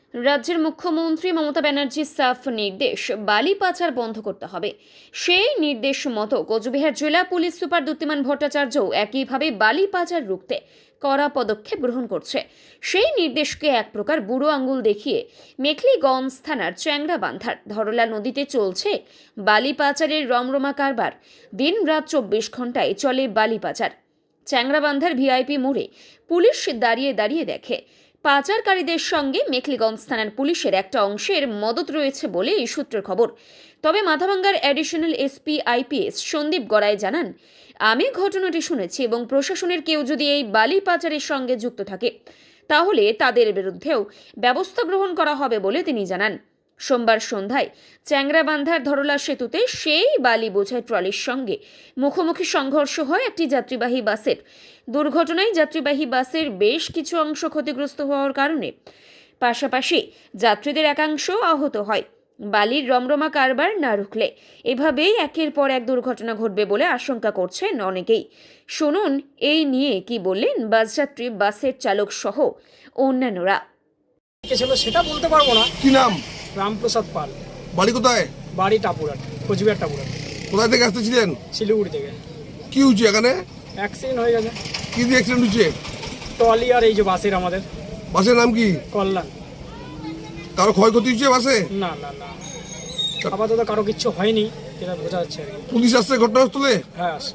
রাজ্যের মুখ্যমন্ত্রী মমতা ব্যানার্জির সাফ নির্দেশ, বালি পাচার বন্ধ করতে হবে। সেই নির্দেশ মতো কোচবিহার জেলা পুলিশ সুপার দ্যুতিমান ভট্টাচার্যও একইভাবে বালি পাচার রুখতে কড়া পদক্ষেপ গ্রহণ করছে। সেই নির্দেশকে এক প্রকার বুড়ো আঙুল দেখিয়ে মেখলিগঞ্জ থানার চ্যাংড়াবান্ধার ধরলা নদীতে চলছে বালি পাচারের রমরমা কারবার। দিন রাত 24 ঘন্টায় চলে বালি পাচার। চ্যাংড়াবান্ধার ভিআইপি মোড়ে পুলিশ দাঁড়িয়ে দাঁড়িয়ে দেখে। পাচারকারীদের সঙ্গে মেখলিগঞ্জ থানার পুলিশের একটা অংশের মদত রয়েছে বলে এই সূত্রের খবর। তবে মাথাভাঙ্গার additional SP IPS Sandip Garai জানান, আমি ঘটনাটি শুনেছি এবং প্রশাসনের কেউ যদি এই বালি পাচারের সঙ্গে যুক্ত থাকে তাহলে তাদের বিরুদ্ধেও ব্যবস্থা গ্রহণ করা হবে বলে তিনি জানান। সোমবার সন্ধ্যায় চ্যাংড়াবান্ধার ধরলা সেতুতে সেই বালি বোঝাই ট্রলির সঙ্গে মুখোমুখি সংঘর্ষ হয় একটি যাত্রীবাহী বাসের। দুর্ঘটনায় যাত্রীবাহী বাসের বেশ কিছু অংশ ক্ষতিগ্রস্ত হওয়ার কারণে পাশাপাশি যাত্রীদের একাংশ আহত হয়। বালির রমরমা কারবার না রুখলে এভাবেই একের পর এক দুর্ঘটনা ঘটবে বলে আশঙ্কা করছেন অনেকেই। শুনুন এই নিয়ে কি বললেন বাসযাত্রী, বাসের চালক সহ অন্যান্যরা। ছিল সেটা বলতে পারবো না। কি নাম? রামপ্রসাদ পাল। বাড়ি কোথায়? বাড়ি টাপুরাট, কোচবিহার টাপুরাট। কোথায় থেকে আসতেছিলেন? শিলিগুড়ি থেকে। কি হয়েছে এখানে? অ্যাক্সিডেন্ট হয়ে গেছে। কি দিয়ে অ্যাক্সিডেন্ট হয়েছে? ট্রলি আর এই যে বাসের, আমাদের বাসের নাম কি? কল্যাণ। কারো ক্ষয়ক্ষতি হয়েছে বাসে? না না না, আপাতত কারো কিচ্ছু হয়নি, যেটা বোঝা যাচ্ছে আর কি। পুলিশ আসছে ঘটনাস্থলে? হ্যাঁ আসে।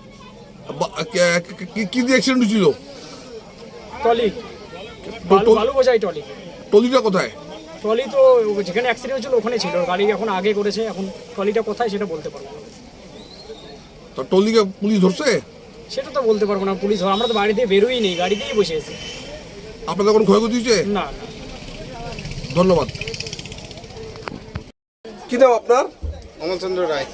কি দিয়ে অ্যাক্সিডেন্ট হয়েছিল? ট্রলি, বালু বোঝাই ট্রলি। টলিটা কোথায়? ট্রলি তো যেখানে অ্যাক্সিডেন্ট হয়েছিল ওখানে ছিল, গাড়ি এখন আগে করেছে, এখন ট্রলিটা কোথায় সেটা বলতে পারবো না। তো টলিকে পুলিশ ধরছে? সেটা তো বলতে পারবো না, পুলিশ আমরা তো বাড়ি দিয়ে বেরোই নেই, গাড়িতেই বসে আছি। আপনাদের কোনো ক্ষয়ক্ষতি হয়েছে? না না। ধন্যবাদ। কি নাম আপনার? অমলচন্দ্র রায়।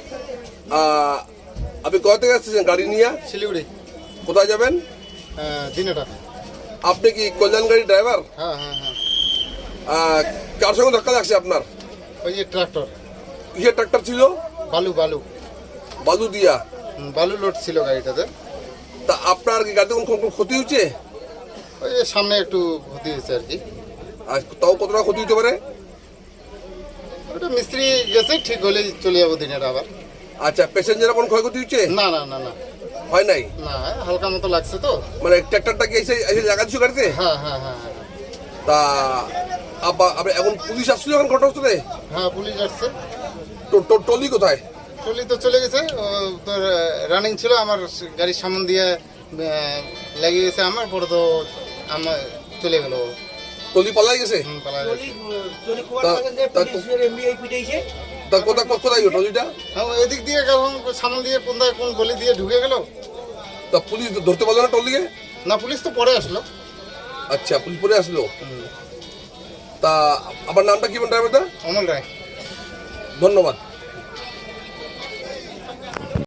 আপনি কোথা থেকে আসতেছেন গাড়ি নিয়ে? শিলিগুড়ি। কোথায় যাবেন? দিনেটা। আপনি কি কল্যাণ গাড়ি ড্রাইভার? হ্যাঁ হ্যাঁ হ্যাঁ। কার সঙ্গে ধাক্কা লাগছে আপনার? ওই যে ট্রাক্টর। কিসের ট্রাক্টর ছিল? বালু বালু বালু দিয়া? বালু লোড ছিল গাড়িটাতে। তা আপনার কি গাড়িতে কোনো ক্ষতি হচ্ছে? ওই যে সামনে একটু ক্ষতি হয়েছে আর কি। আর তাও কতটা ক্ষতি হতে পারে? ওটা মিস্ত্রি গেছে, ঠিক হলে চলে যাবো দিনেটা আবার। আচ্ছা, প্যাসেঞ্জারের কোনো ক্ষয়ক্ষতি হচ্ছে? না না না না হয় নাই? না, হালকা মতো লাগছে তো। মানে ট্রাক্টরটা কি এসে জায়গা দিচ্ছ গাড়িতে? হ্যাঁ হ্যাঁ হ্যাঁ হ্যাঁ। তা আপনি এখন পুলিশ আসছিল এখন ঘটনাস্থলে? হ্যাঁ পুলিশ আসছে। টলি কোথায়? টলি তো চলে গেছে, তোর রানিং ছিল, আমার গাড়ির সামন দিয়ে লেগে গেছে, আমার পরে তো আমার চলে গেল। টলি পালাই গেছে? পালা গেছে। তা কোথায় গেল টলিটা? এদিক দিয়ে গেলাম, সামনে দিয়ে কোন গলি দিয়ে ঢুকে গেল। তা পুলিশ ধরতে পারলো না টলিকে? না, পুলিশ তো পরে আসলো। আচ্ছা, পুলিশ পরে আসলো। তা আমার নামটা কি ড্রাইভারটা? অমল রায়। ধন্যবাদ।